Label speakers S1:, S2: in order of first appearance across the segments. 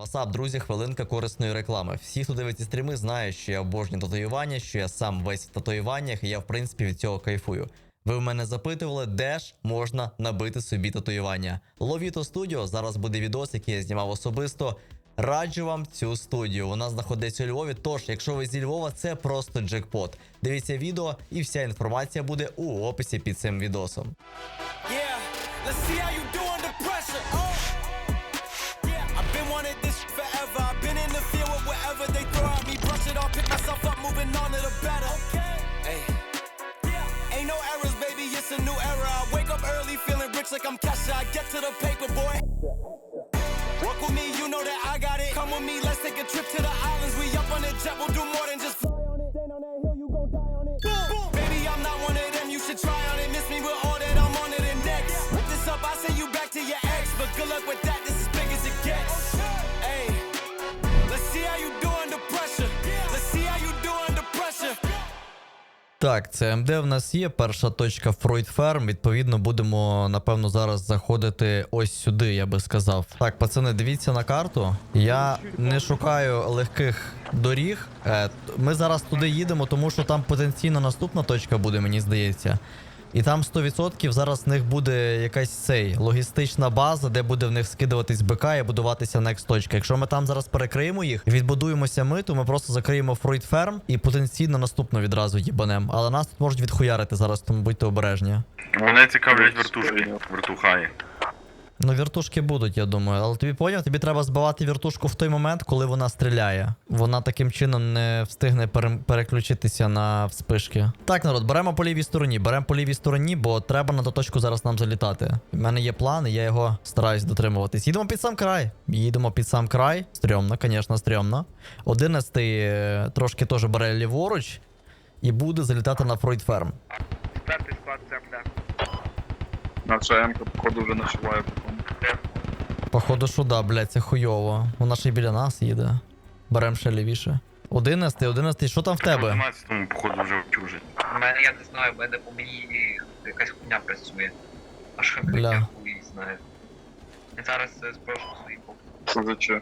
S1: Васап, друзі, хвилинка корисної реклами. Всі, хто дивиться стріми, знають, що я обожнюю татуювання, що я сам весь в татуюваннях, і я, в принципі, від цього кайфую. Ви в мене запитували, де ж можна набити собі татуювання. Ловіто Студіо, зараз буде відос, який я знімав особисто. Раджу вам цю студію, вона знаходиться у Львові, тож, якщо ви зі Львова, це просто джекпот. Дивіться відео, і вся інформація буде у описі під цим відосом.
S2: Walk with me, you know that I got it. Come with me, let's take a trip to the islands. We up on the jet, we'll do more than just fly on it. Stand on that hill, you gon' die on it. Boom, boom. Baby, I'm not one of them, you should try on it. Miss me with all that, I'm on to the next. Put this up, I send you back to your ex. But good luck with that, this is big as it gets. Hey, let's see how you do under pressure. Let's see how you do under pressure.
S1: Так, це МД в нас є, перша точка Freud Farm, відповідно будемо, напевно, зараз заходити ось сюди, я би сказав. Так, пацани, дивіться на карту, я не шукаю легких доріг, ми зараз туди їдемо, тому що там потенційно наступна точка буде, мені здається. І там 100% зараз в них буде якась логістична база, де буде в них скидуватись БК і будуватися next точка. Якщо ми там зараз перекриємо їх, відбудуємося ми, то ми просто закриємо Freud Farm і потенційно наступну відразу їбанем. Але нас тут можуть відхуярити зараз, тому будьте обережні.
S3: Мене цікавлять вертушки, вертухаї.
S1: Ну, вертушки будуть, я думаю. Але тобі поняв, тобі треба збивати вертушку в той момент, коли вона стріляє. Вона таким чином не встигне переключитися на вспишки. Так, народ, беремо по лівій стороні. Беремо по лівій стороні, бо треба на ту точку зараз нам залітати. У мене є план, і я його стараюсь дотримуватись. Їдемо під сам край. Їдемо під сам край. Стрьомно, звісно, стрьомно. 11-й трошки теж бере ліворуч і буде залітати на Freud Farm.
S3: П'ятий склад земля. Наша М-ка, походу, вже нашиває.
S1: Походу, що да, блядь, це хуйово. Вона ще й біля нас їде. Берем ще лівіше. 11-й, що там в тебе?
S3: 12-му, походу, вже вчужить.
S4: У мене, я не знаю, в мене по мені якась хуйня працює. А що
S1: Бля.
S4: я хуй знаю. Я зараз спрошу свої поки.
S3: Що за че?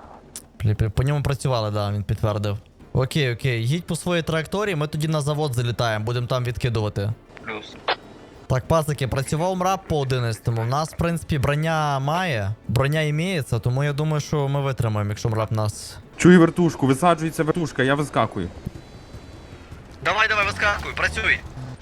S1: По ньому працювали, да, він підтвердив. Окей, їдь по своїй траєкторії, ми тоді на завод залітаємо, будемо там відкидувати.
S4: Плюс.
S1: Так, пацики, працював мрап по 11-му. У нас, в принципі, броня має, броня імеється, тому я думаю, що ми витримаємо, якщо мрап нас...
S5: Чую вертушку, висаджується вертушка, я вискакую.
S1: Давай, вискакуй, працюй.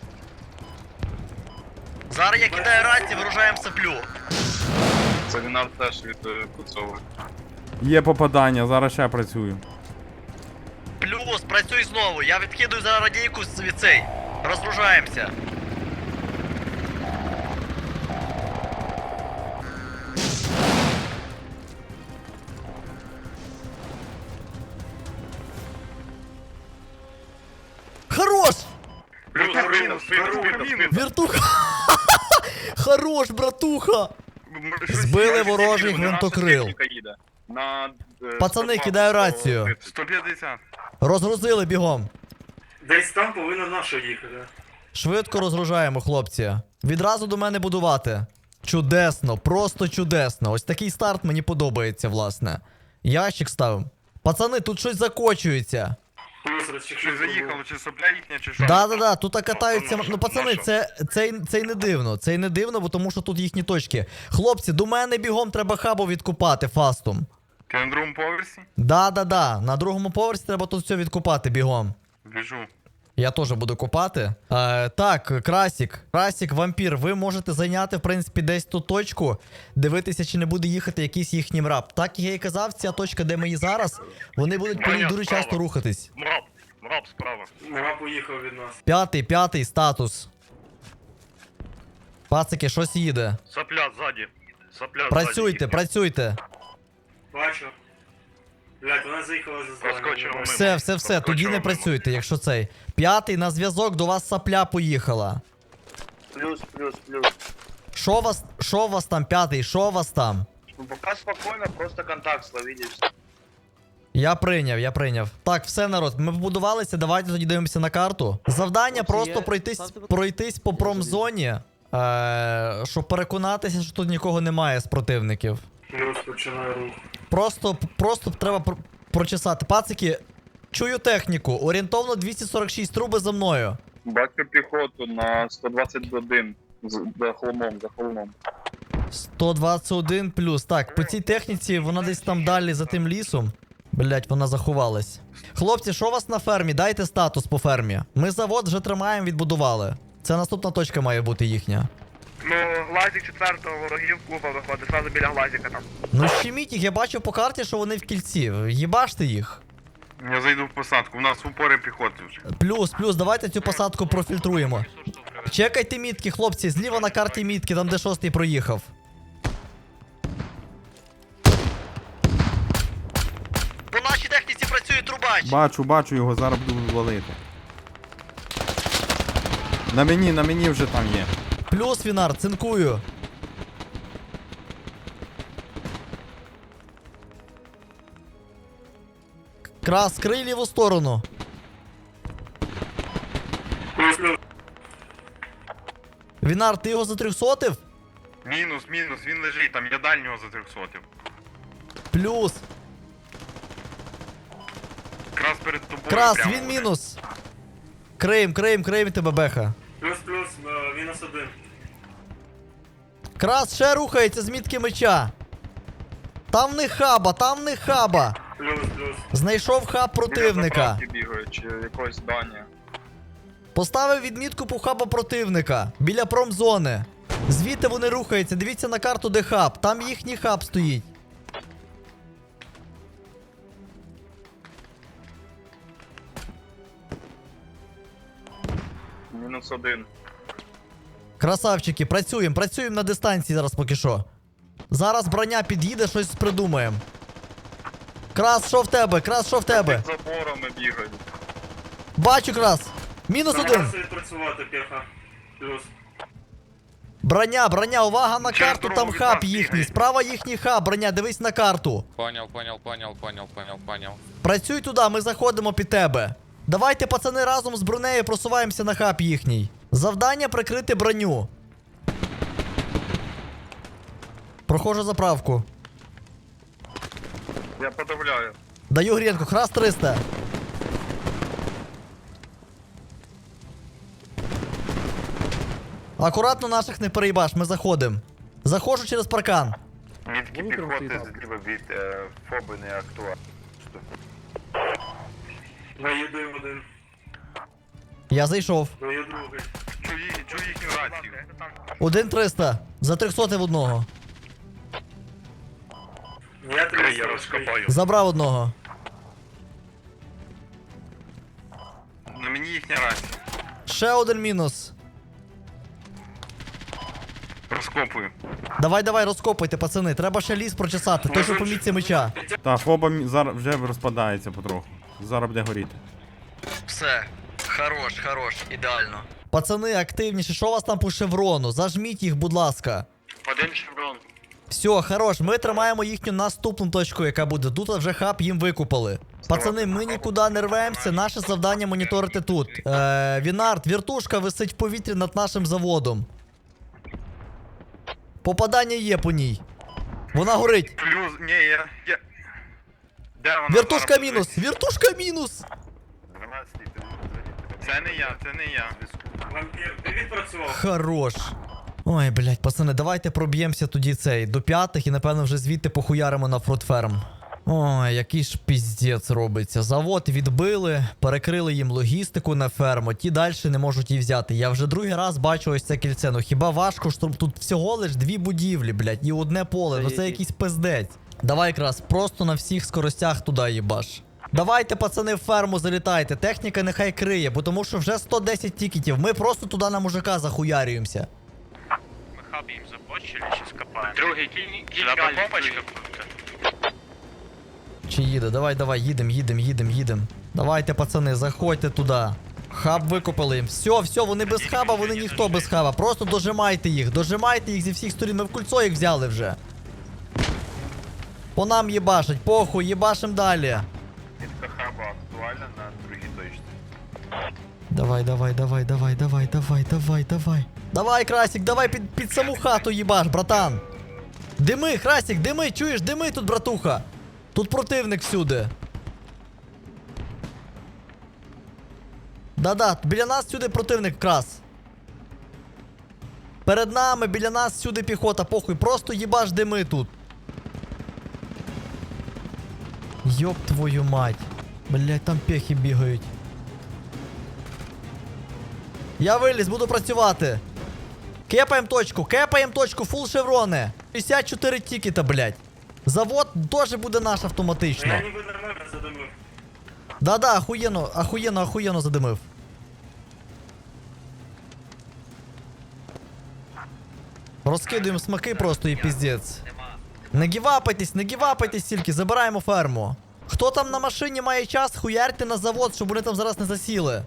S1: Зараз я кидаю рацію, виружаємо саплю.
S3: Загнав теж від Куцової.
S5: Є попадання, зараз ще працюю.
S1: Плюс, працюй знову, я відкидаю зараз радійку від цей. Розгружаємося. Хорош! Вертуха! Хорош, братуха! Збили ворожий гвинтокрил. Пацани, кидаю рацію.
S3: 150.
S1: Розгрузили бігом.
S6: Десь там повинна наша їхати.
S1: Швидко розгружаємо, хлопці. Відразу до мене будувати. Чудесно, просто чудесно. Ось такий старт мені подобається, власне. Ящик ставим. Пацани, тут щось закочується.
S3: Чи заїхало, чи сопля їхня, чи що?
S1: Да, тут катаються. Ну, пацани, це й не дивно. Це й не дивно, бо тому що тут їхні точки. Хлопці, до мене бігом треба хабу відкупати фастом.
S3: Ти на другому поверсі?
S1: Да. На другому поверсі треба тут все відкупати бігом.
S3: Біжу.
S1: Я теж буду копати. Так, Красік, вампір, ви можете зайняти, в принципі, десь ту точку, дивитися, чи не буде їхати якийсь їхній мрап. Так, як я і казав, ця точка, де ми є зараз, вони будуть по ній дуже часто рухатись.
S3: Мрап справа.
S6: Нема поїхав від нас.
S1: П'ятий статус. Пацики, щось їде.
S3: Сопля ззаді.
S1: Працюйте.
S6: Бачу. Блядь, вона заїхала за
S3: Проскочимо.
S1: Все, тоді не працюйте, якщо цей. 5-й, на зв'язок, до вас сапля поїхала.
S3: Плюс.
S1: Що у вас там, 5-й, що у вас там?
S3: Ну, пока спокойно, просто контакт словили.
S1: Я прийняв. Так, все, народ, ми побудувалися, давайте тоді дивимося на карту. Завдання просто пройтись по промзоні, щоб переконатися, що тут нікого немає з противників.
S6: Плюс починає рух.
S1: Просто треба прочесати. Пацики, чую техніку. Орієнтовно 246 труби за мною.
S3: Бачу піхоту на 121 за холмом.
S1: 121 плюс. Так, по цій техніці вона десь там далі за тим лісом. Блять, вона заховалась. Хлопці, що у вас на фермі? Дайте статус по фермі. Ми завод вже тримаємо, відбудували. Це наступна точка має бути їхня.
S3: Ну, глазик 4-го ворогів клуба виходить, зразу біля глазика там.
S1: Ну щеміть їх, я бачу по карті, що вони в кільці. Їбаште їх.
S3: Я зайду в посадку, у нас упори піхоти вже.
S1: Плюс, давайте цю посадку профільтруємо. Чекайте мітки, хлопці, зліва на карті мітки, там де 6-й проїхав. По нашій техніці працює трубач.
S5: Бачу його, зараз буду валити. На мені вже там є.
S1: Плюс, Вінар, цинкую. Крас, крий ліву сторону.
S6: Плюс.
S1: Вінар, ти його затрьохсотив?
S3: Мінус, він лежить там, я дальнього за 300.
S1: Плюс.
S3: Якраз перед тобою.
S1: Крас,
S3: прямо
S1: він
S3: буде.
S1: мінус. Крейм тебе, беха.
S6: Плюс, мінус 1.
S1: Крас ще рухається з мітки меча. Там не хаба.
S6: Плюс.
S1: Знайшов хаб противника.
S3: Біля заправки бігають, чи якогось здання.
S1: Поставив відмітку по хаба противника. Біля промзони. Звідти вони рухаються. Дивіться на карту, де хаб. Там їхній хаб стоїть.
S3: Мінус 1.
S1: Красавчики, працюємо на дистанції зараз поки що. Зараз броня під'їде, щось придумаємо. Крас, що в тебе?
S3: Під заборами бігають.
S1: Бачу, Крас. Мінус 1.
S6: Намагався відпрацювати піха. Плюс.
S1: Броня, увага на
S3: Через
S1: карту,
S3: дорогу
S1: там
S3: від
S1: хаб
S3: нас
S1: їхній.
S3: бігає.
S1: Справа їхній хаб, броня, дивись на карту.
S7: Понял.
S1: Працюй туди, ми заходимо під тебе. Давайте, пацани, разом з бронею просуваємося на хаб їхній. Завдання прикрити броню. Проходжу заправку.
S3: Я подавляю.
S1: Даю грінку, храс 300. Акуратно наших не переїбаш, ми заходимо. Заходжу через паркан.
S3: Мітки піхоти зліва від ФОБи не актуальні.
S6: Доїду 1.
S1: Я зайшов.
S6: Даю другий.
S3: Чую їхню рацію.
S1: 1-300. За 300 в одного.
S6: Я
S3: Я
S6: 300.
S3: розкопаю.
S1: Забрав одного.
S3: На мені їхня рація.
S1: Ще один мінус.
S3: Розкопую.
S1: Давай, розкопуйте, пацани. Треба ще ліс прочесати. Той, що по мітці меча.
S5: Та фоба зараз вже розпадається потроху. Зараз буде горіти.
S1: Все. Хорош, ідеально. Пацани, активніше, що у вас там по шеврону? Зажміть їх, будь ласка.
S3: Один шеврон.
S1: Все, хорош, ми тримаємо їхню наступну точку, яка буде. Тут вже хаб їм викупали. Пацани, ми нікуди не рвемося, наше завдання моніторити тут. Вінард, віртушка висить в повітрі над нашим заводом. Попадання є по ній. Вона горить.
S3: Плюс, ні, я... Де вона?
S1: Віртушка
S3: Зараз
S1: мінус! Віртушка мінус!
S3: 12-й, це не я.
S6: Вампір, ти відпрацював?
S1: Хорош. Ой, блядь, пацани, давайте проб'ємося тоді цей до 5 і напевно вже звідти похуяримо на фрутферм. Ой, який ж піздець робиться. Завод відбили, перекрили їм логістику на ферму, ті далі не можуть її взяти. Я вже другий раз бачу ось це кільце. Ну хіба важко, що тут всього лиш 2 будівлі, блядь, і одне поле. Ну це якийсь пиздець. Давай якраз просто на всіх скоростях туди їбаш. Давайте, пацани, в ферму залітайте. Техніка нехай криє, бо тому що вже 110 тікетів. Ми просто туди на мужика захуярюємося.
S8: Мы хаб им забочили, сейчас копаем.
S3: Другий
S8: Сюда помпочка.
S1: Чи їде? Давай, їдем. Давайте, пацани, заходьте туди. Хаб викупили їм. Все, вони без хаба, вони ніхто без хаба. Просто дожимайте їх зі всіх сторін. Ми в кульцо їх взяли вже. По нам їбашать, похуй, їбашим далі.
S3: Мітка хаба актуальна на другій точці.
S1: Давай, Красик, давай під саму хату їбаш, братан. Дими, Красік, дими, чуєш, дими тут, братуха. Тут противник всюди. Да-да, біля нас сюди противник, Крас. Перед нами, біля нас сюди піхота, похуй, просто їбаш дими тут. Йоп твою мать. Блять, там пехи бігають. Я виліз, буду працювати. Кепаєм точку, фул шеврони. 54 тікета, блять. Завод теж буде наш автоматично.
S6: Я ніби нормально задумав.
S1: Да-да, охуєнно задимив. Розкидуємо смаки просто і піздець. Не гівапайтесь тільки, забираємо ферму. Хто там на машині має час, хуярте на завод, щоб вони там зараз не засіли.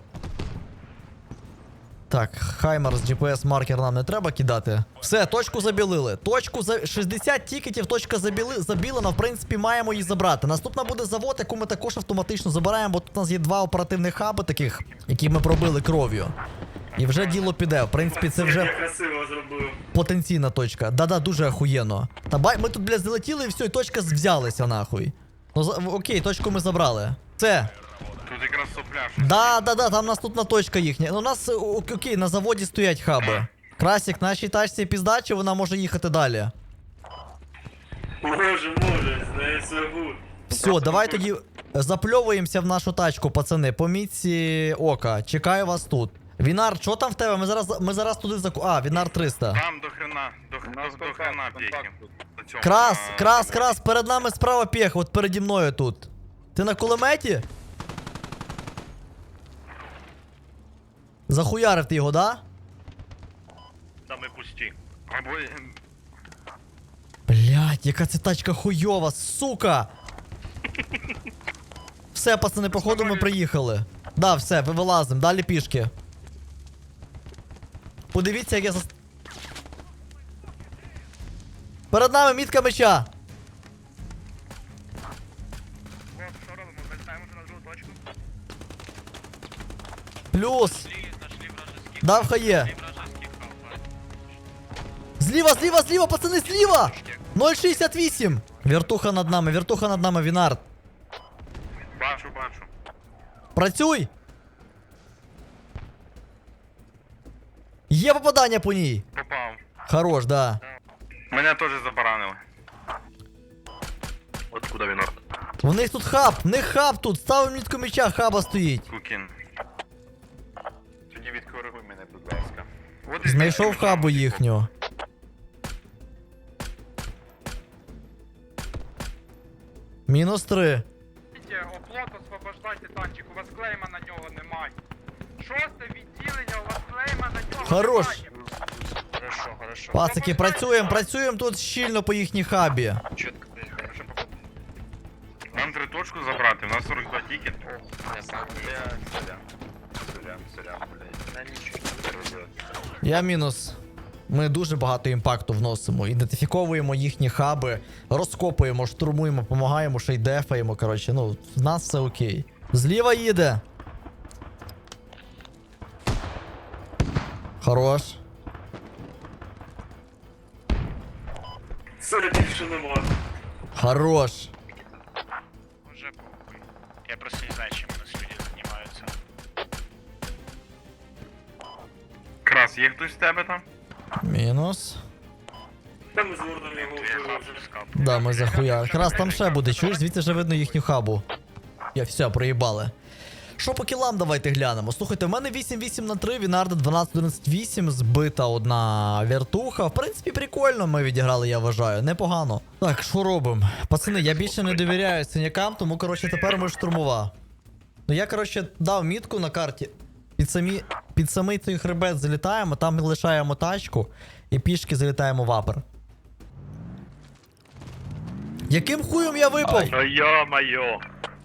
S1: Так, Хаймер з GPS-маркер нам не треба кидати. Все, точку забілили. 60 тікетів, точка забілена, в принципі, маємо її забрати. Наступна буде завод, яку ми також автоматично забираємо, бо тут у нас є 2 оперативних хаби таких, які ми пробили кров'ю. І вже діло піде. В принципі, це вже
S6: Я красиво зробив.
S1: потенційна точка. Да-да, дуже охуєнно. Та бай, ми тут, блядь, залетіли і все, і точка взялася нахуй. Ну, окей, точку ми забрали. Це.
S5: Тут якраз сопляш.
S1: Да, там наступна точка їхня. Ну, у нас, окей, на заводі стоять хаби. Красік, нашій тачці піздачі, вона може їхати далі.
S6: Може, з нею все гуд.
S1: Все, давай тоді запльовуємося в нашу тачку, пацани. По мітці ока. Чекаю вас тут. Вінар, що там в тебе? Ми зараз туди Вінар 300.
S5: Там до хрена п'єхів.
S1: Крас, перед нами справа пех, от переді мною тут. Ти на кулеметі? Захуярив ти його, да?
S8: Там і пусті.
S5: Або...
S1: Блять, яка це тачка хуйова, сука! Все, пацани, походу ми приїхали. Да, все, вилазим, далі пішки. Подивіться, як я Перед нами мітка меча.
S8: Що робимо? Вертаємо вже на другу точку.
S1: Плюс.
S8: Знайшли вражеський.
S1: Дав хає.
S8: Вражеський хаб.
S1: Зліва, пацани, зліва! 0,68. Вертуха над нами, Вінард.
S5: Бачу.
S1: Працюй! Є попадання по ній.
S5: Попав.
S1: Хорош, да.
S5: Мене теж забаранили.
S8: Откуда він орд?
S1: У них тут хаб, тут. Ставимо мітку меча, хаба стоїть.
S5: Кукін.
S3: Тоді відкоригуй мене, будь ласка.
S5: От і
S1: Знайшов хабу їхню. -3.
S7: Оплот освобождайте танчик, у вас клейма на нього немає. 6-те відділення, у вас клейма на нього
S1: Хорош.
S7: немає.
S8: Хорошо.
S1: Пацики, працюємо тут щільно по їхній хабі.
S8: Чітко. Хорошо, походу.
S5: Нам 3 точку забрати, у нас 42 тікет.
S3: Сорян, блядь.
S8: На нічого.
S1: Я мінус. Ми дуже багато імпакту вносимо. Ідентифіковуємо їхні хаби, розкопуємо, штурмуємо, допомагаємо, ще й дефаємо. Коротше, ну, в нас все окей. Зліва їде. Хорош.
S6: Все, більше нема.
S1: Хорош.
S8: Уже похуй. Я просто не знаю, чим у нас люди займаються.
S5: Крас, є хтось з тебе там?
S1: Мінус.
S6: Там ми з Вордом його
S8: Я
S6: вбили
S8: хаб
S6: вже.
S8: скап.
S1: Да, ми захуя. Якраз там ще буде, чуєш, звідси вже видно їхню хабу. Я все, проїбали. Що по кілам давайте глянемо. Слухайте, в мене 8-8 на 3, Вінарда 12-11-8, збита одна вертуха. В принципі, прикольно ми відіграли, я вважаю, непогано. Так, що робимо? Пацани, я більше не довіряю синякам, тому, коротше, тепер ми штурмова. Ну я, коротше, дав мітку на карті. Під самий цей хребет залітаємо, там лишаємо тачку і пішки залітаємо в апер. Яким хуєм я випав?
S8: Ну йо-майо.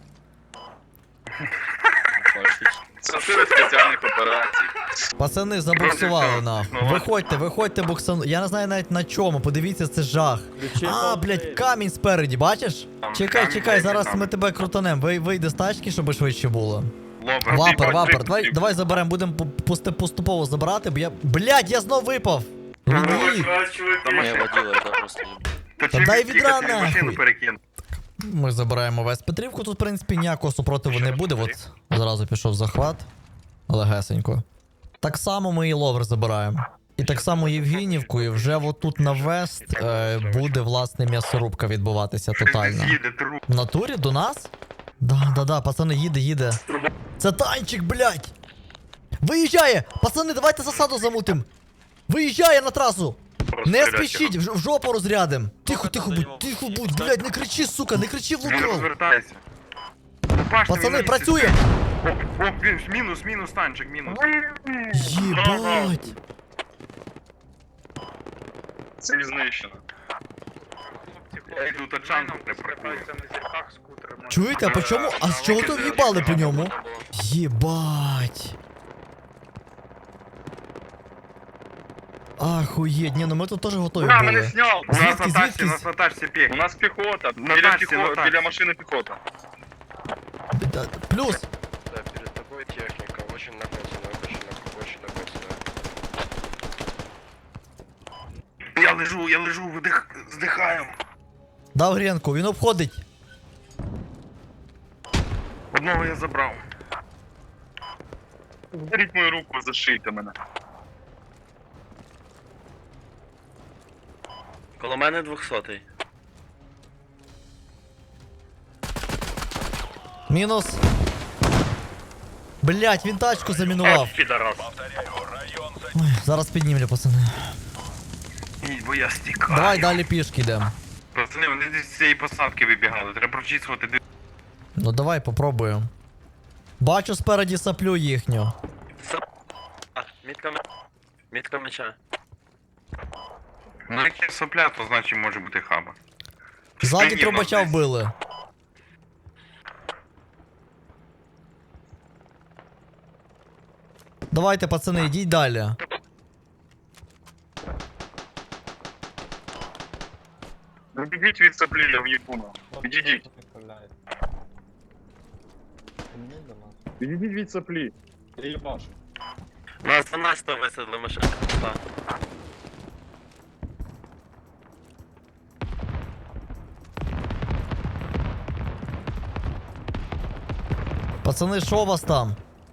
S3: Це сили спеціальних операцій.
S1: Пацани, забуксували нахуй. Виходьте, буксану. Я не знаю навіть на чому, подивіться, це жах. Блядь, камінь спереді, бачиш? Чекай, зараз ми тебе крутанем. Вийди з тачки, щоб швидше було. Вапер. Давай заберемо, будемо поступово забирати, бо я. Блядь, я знов випав! Відійдіть.
S6: Чуваки,
S5: Та
S1: Та
S5: чим
S1: дай
S5: він
S1: відра
S5: тікати, машину
S1: нахуй.
S5: перекинув.
S1: Ми забираємо весь Петрівку, тут, в принципі, ніякого супротиву не буде. От зразу пішов захват. Легесенько. Так само ми і ловер забираємо. І так само Євгенівку, і вже отут на вест буде, власне, м'ясорубка відбуватися тотально.
S5: Їде труп.
S1: В натурі до нас? Да, пацани, їде. Це танчик, блядь! Виїжджає! Пацани, давайте засаду замутим! Виїжджає на трасу! Не спішіть, в жопу розрядим! Тихо будь, блядь, не кричи, сука, не кричи в
S5: Він
S1: лукро!
S5: розвертається. Ну, бачите, він
S1: Пацани,
S5: на місці
S1: працює!
S5: стоїть. О, він, мінус, танчик, мінус.
S1: Єбать!
S3: Це знищено.
S7: Хлопці,
S5: Я йду тачанку
S7: нам
S5: не прокую.
S7: скатаються на зірках скутерами.
S1: Чуєте, а по чому? А з чого то в'їбали по ньому? Єбать! Ахуєть, ні, ну ми тут теж готові
S3: Ура, мене
S1: були.
S3: сняв!
S5: У нас
S1: Звідки,
S5: на тачці,
S1: звідки?
S5: у нас на тачці піх.
S3: У нас піхота.
S5: На
S3: Біля,
S5: тачці, на тачці.
S3: біля машини піхота.
S1: Плюс!
S9: Да, перед тобой техника, очень написано, очень написано.
S5: Я лежу, здихаю.
S1: Дав гренку, він обходить.
S5: Одного я забрав.
S3: Беріть мою руку, зашийте мене.
S10: Коло мене 200-й.
S1: Мінус. Блять, він тачку замінував.
S8: Підарас.
S1: Ой, зараз піднімлю, пацани.
S5: Ні, бо я стікаю.
S1: Давай далі пішки йдемо.
S5: Пацани, вони десь з цієї посадки вибігали. Треба прочісувати.
S1: Ну давай попробуємо. Бачу спереді саплю їхню.
S10: Мітка меча.
S5: Ну, як є сопля, то значить може бути хаба.
S1: Ззаді
S5: Спині
S1: трубача
S5: десь.
S1: вбили. Давайте, пацани, йдіть далі.
S3: Відійдіть від саплі, я в'їбуна. Відійдіть. Відійдіть від саплі. Я їбашу.
S10: Нас 12 висадили машину.
S1: Пацани, що у вас там?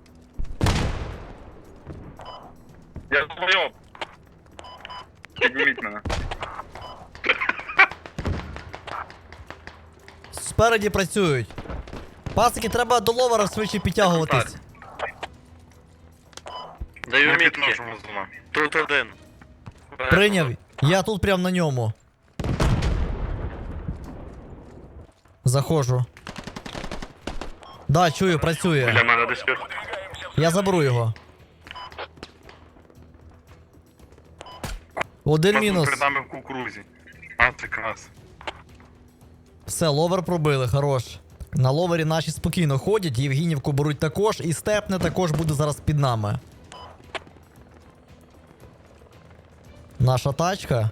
S3: Я долбойоб. Підніміть мене.
S1: Спереді працюють. Пасики, треба до ловера швидше підтягуватись.
S10: Даю
S5: Ми
S10: мітки.
S5: підножимо зону.
S10: Тут один.
S1: Прийняв. Я тут прям на ньому. Заходжу. Да, чую, працює.
S3: Для мене десь тут.
S1: Я заберу його. Один мінус.
S5: Перед нами в кукурузі. А, це крас.
S1: Все, ловер пробили, хорош. На ловері наші спокійно ходять, Євгенівку беруть також, і степне також буде зараз під нами. Наша тачка.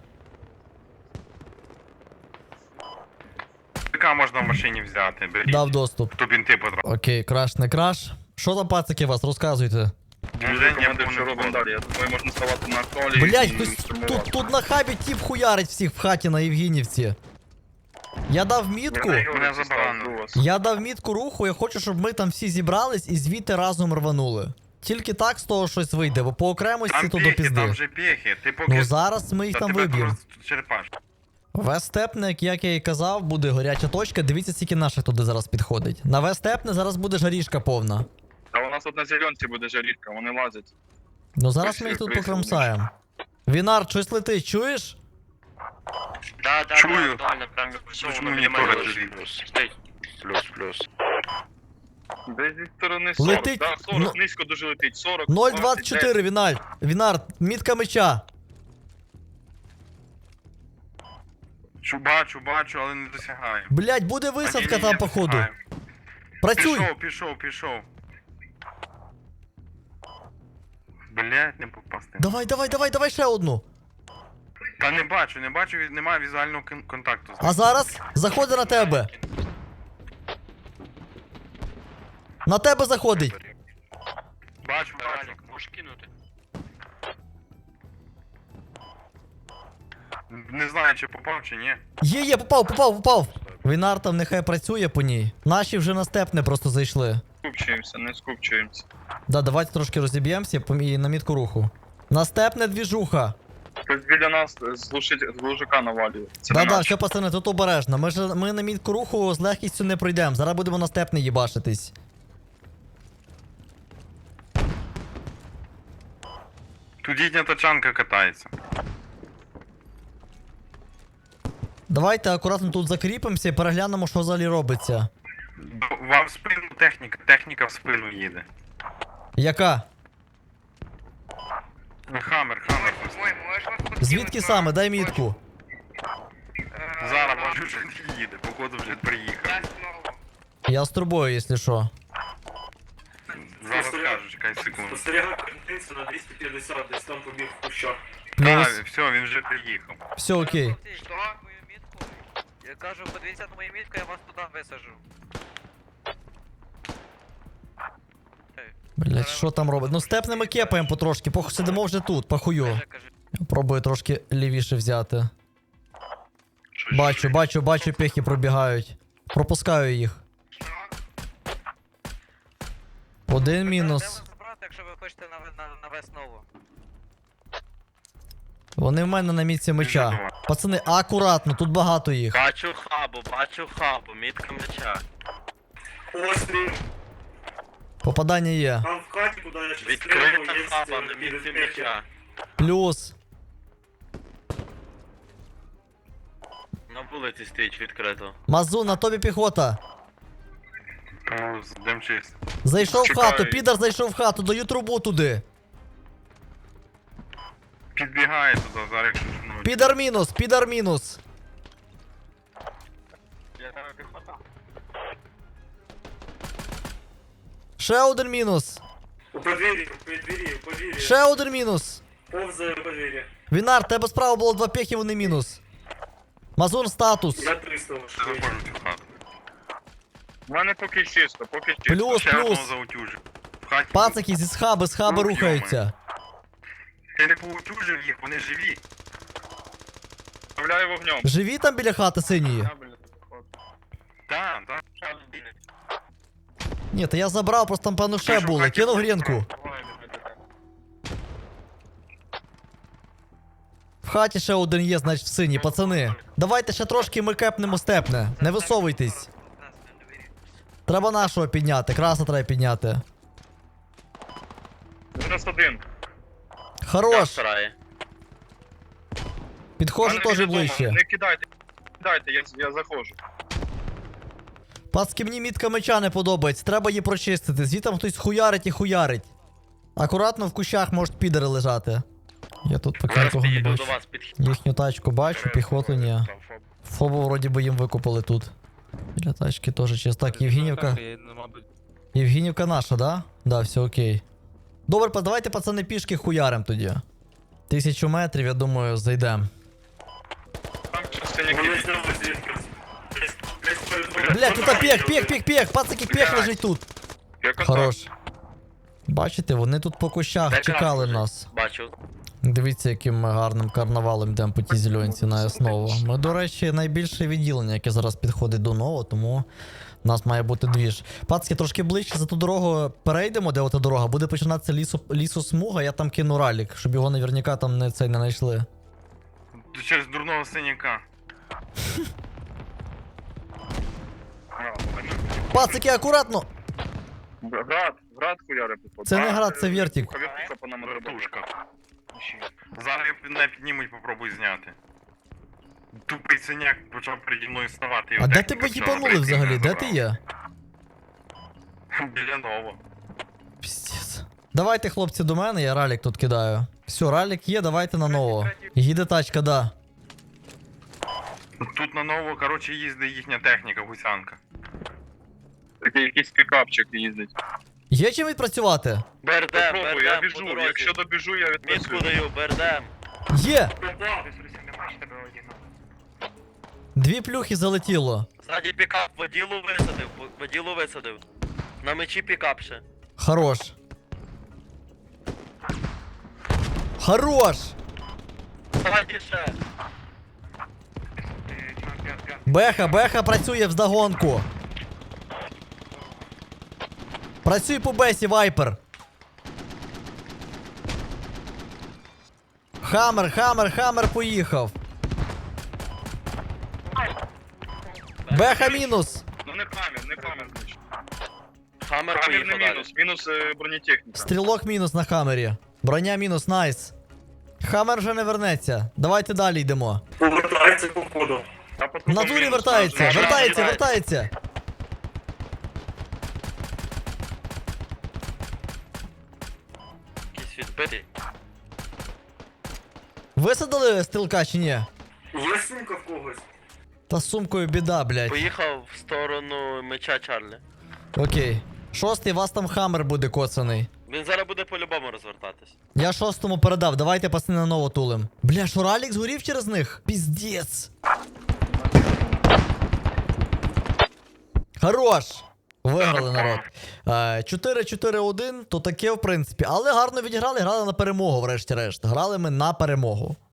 S5: ПК можна в машині взяти, беріть.
S1: Дав доступ.
S5: Тут бінти потрапили.
S1: Окей, краш не краш. Що там, пацики, у вас? Розказуйте.
S3: Дуже командир, що робимо далі. Я думаю, можна ставати на колі.
S1: Блять,
S3: і
S1: хтось
S3: штурмувати.
S1: тут на хабі тіп хуярить всіх в хаті на Євгенівці. Я дав мітку.
S5: Мене заборонено.
S1: Я дав мітку руху, я хочу, щоб ми там всі зібрались і звідти разом рванули. Тільки так з того щось вийде, бо по окремості
S5: Там
S1: то до
S5: пехи, там
S1: пізди.
S5: вже пехи. Ти поки...
S1: Ну зараз ми їх
S5: Та
S1: там
S5: тебе
S1: виб'ємо.
S5: тут черепаш.
S1: Вестепне, як я і казав, буде горяча точка. Дивіться, скільки наших туди зараз підходить. На Вестепне зараз буде жарішка повна.
S3: А у нас тут на зеленці буде жарітка, вони лазять.
S1: Ну зараз ми їх тут покромсаємо. Вінар, щось летить, чуєш?
S8: Да,
S5: Чую.
S8: актуально, прям всього
S5: Чому
S8: на
S5: мені
S8: мінімальному
S5: теж
S8: рівні.
S5: летить?
S8: Стій. Плюс.
S3: Десь зі сторони 40,
S1: Летить,
S3: да, 40,
S1: ну-
S3: низько дуже летить, 40.
S1: 0,24, Вінар. Вінар, мітка меча.
S5: Бачу, але не досягаю.
S1: Блять, буде висадка там, походу. Працюй!
S5: Пішов. Блять, не попасти.
S1: Давай ще одну.
S5: Та не бачу, немає візуального контакту.
S1: А зараз заходить на тебе. На тебе заходить.
S5: Бачу.
S8: Можеш кинути.
S5: Не знаю, чи попав, чи ні.
S1: Є, попав. Вінар там нехай працює по ній. Наші вже на степне просто зайшли.
S3: Скупчуємося, не скупчуємося.
S1: Да, давайте трошки розіб'ємося і на мітку руху. На степне двіжуха.
S3: Хтось біля нас з глушака навалює. Це не
S1: Да,
S3: наш.
S1: все, пацани, тут обережно. Ми на мітку руху з легкістю не пройдемо. Зараз будемо на степне їбашитись.
S5: Тут їхня тачанка катається.
S1: Давайте акуратно тут закріпимося і переглянемо, що взагалі робиться.
S5: Вам в спину техніка в спину їде.
S1: Яка?
S5: Хаммер.
S1: Звідки саме? Дай мітку.
S5: Зараз, може, вже не їде, походу вже приїхав.
S1: Я з турбою, якщо що.
S5: Зараз скажу, чекай секунду.
S6: Спостерігав картинцю на 250, десь там побіг в кущах.
S1: Плюс.
S5: Все, він вже приїхав.
S1: Все окей.
S11: Що? Мою мітку? Я кажу, подивіться на мою мітку, я вас туди висажу.
S1: Блять, що там робить? Ну степними кепаємо потрошки, сидимо вже тут, похую.
S11: Кажи.
S1: Я пробую трошки лівіше взяти. Бачу, пехи пробігають. Пропускаю їх. Один мінус.
S11: Де вас забрати, якщо ви хочете на веснову?
S1: Вони в мене на місці меча. Пацани, акуратно, тут багато їх.
S10: Бачу хабу, мітка меча.
S6: Постріл.
S1: Попадання є.
S6: Там в хаті, куди я ще
S10: Відкрита
S6: стріляв, є
S10: хаба на мітці меча.
S1: Плюс.
S10: На вулиці стоїть відкрито.
S1: Мазу, на тобі піхота.
S5: Дем чист.
S1: Зайшов в
S3: Чекаю.
S1: хату, підар зайшов в хату, даю трубу туди.
S5: Підбігає туди, зараз якщо шнуть.
S1: Підар мінус. Ще один мінус.
S6: У подвір'ї, у подвір'ї.
S1: Ще один мінус.
S6: Повзає у подвір'ї.
S1: Вінар, тебе справа було 2 пехи, вони мінус. Мазун статус.
S6: Я 300
S5: Я
S6: лише.
S5: заходжу в цю хату.
S3: У мене поки чисто, поки чисто.
S1: Плюс,
S5: Ще одного
S1: плюс.
S5: заутюжив. В хаті.
S1: Пацаки зі схаби
S5: Ну,
S1: рухаються.
S5: Ти не поутюжив їх, вони живі.
S3: Вставляю вогнем.
S1: Живі там біля хати синьої?
S5: Так.
S1: Ні, та я забрав, просто там певно ще були. Кинув грінку. В хаті ще один є, значить в синій, пацани. Давайте ще трошки ми кепнемо степне. Не висовуйтесь. Треба нашого підняти, краса треба підняти.
S3: Мінус один.
S1: Хорош.
S10: Старає.
S1: Підходжу
S3: Мене
S1: теж
S3: відомо.
S1: ближче.
S3: Не кидайте, я заходжу.
S1: Пацки, мені мітка меча не подобається, треба її прочистити. Звідти хтось хуярить і хуярить. Акуратно в кущах можуть підери лежати. Я тут поки
S10: Зараз
S1: нікого не
S10: підійду
S1: бачу.
S10: до вас підхід.
S1: Їхню тачку бачу, піхоту ні. Фобу вроді би їм викупили тут. Біля тачки теж чисто. Так, Євгенівка. Євгенівка наша, да? Да, все окей. Добре, давайте пацани пішки хуярим тоді. 1000 метрів, я думаю, зайдем.
S3: Там частині
S6: Вони
S3: кидів.
S6: знову звідки. Десь перед
S1: Бля, тут піх, пацаки, піх лежить тут.
S3: Я казав.
S1: Хорош. Бачите, вони тут по кущах
S10: Де
S1: чекали
S10: красний?
S1: нас.
S10: Бачу.
S1: Дивіться, яким ми гарним карнавалом йдемо по тій зеленці на основу. Ми, до речі, найбільше відділення, яке зараз підходить до нового, тому у нас має бути двіж. Пацки, трошки ближче за ту дорогу перейдемо, де ота дорога, буде починатися лісосмуга, я там кину ралік, щоб його наверняка там не знайшли.
S5: Через дурного синяка.
S1: Пацики, акуратно!
S3: Град хуяри походу.
S1: Це не град, це вертик.
S3: Вертушка по нам треба.
S5: Вертушка. Зараз не піднімуть, попробуй зняти. Тупий синяк почав переді мною ставати.
S1: А де тебе їбанули взагалі? Де ти є?
S5: Біля нового.
S1: Піздець. Давайте, хлопці, до мене, я ралік тут кидаю. Все, ралік є, давайте на нового. Їде тачка, да.
S5: Тут на нового, коротше, їздить їхня техніка, гусянка.
S3: Такий якийсь пікапчик їздить.
S1: Є чим відпрацювати?
S10: Бердем,
S3: Попробуй, я біжу. Якщо добіжу, я
S10: Мітку
S3: відпрацюю.
S10: даю, бердем.
S1: Є!
S6: Попав.
S1: 2 плюхи залетіло.
S10: Ззаді пікап, воділу висадив. На мечі пікап ще.
S1: Хорош. Хорош!
S10: Ззаді ще.
S1: Беха працює вздогонку. Працюй по бесі, Вайпер. Хаммер поїхав. Беха мінус.
S3: Ну не камінь, значить.
S10: Хаммер
S3: Камінь
S10: поїхав
S3: не
S10: далі.
S3: мінус, мінус бронетехніка.
S1: Стрілок мінус на хаммері. Броня мінус, найс. Хаммер вже не вернеться. Давайте далі йдемо.
S6: Повертається по ходу.
S3: Та по
S1: В
S3: трупам
S1: натурі
S3: мінус,
S1: вертається,
S3: там же
S1: вертається.
S10: Якийсь відбитий.
S1: Висадили стрілка чи ні?
S6: Є сумка в когось?
S1: Та з сумкою біда, блядь.
S10: Поїхав в сторону меча Чарлі.
S1: Окей. Шостий, вас там хаммер буде коцаний.
S10: Він зараз буде по-любому розвертатись.
S1: Я шостому передав, давайте пацани на ново тулим. Бля, що Ралік згорів через них? Піздець. Хорош! Виграли, народ. 4-4-1, то таке в принципі. Але гарно відіграли, грали на перемогу, врешті-решт. Грали ми на перемогу.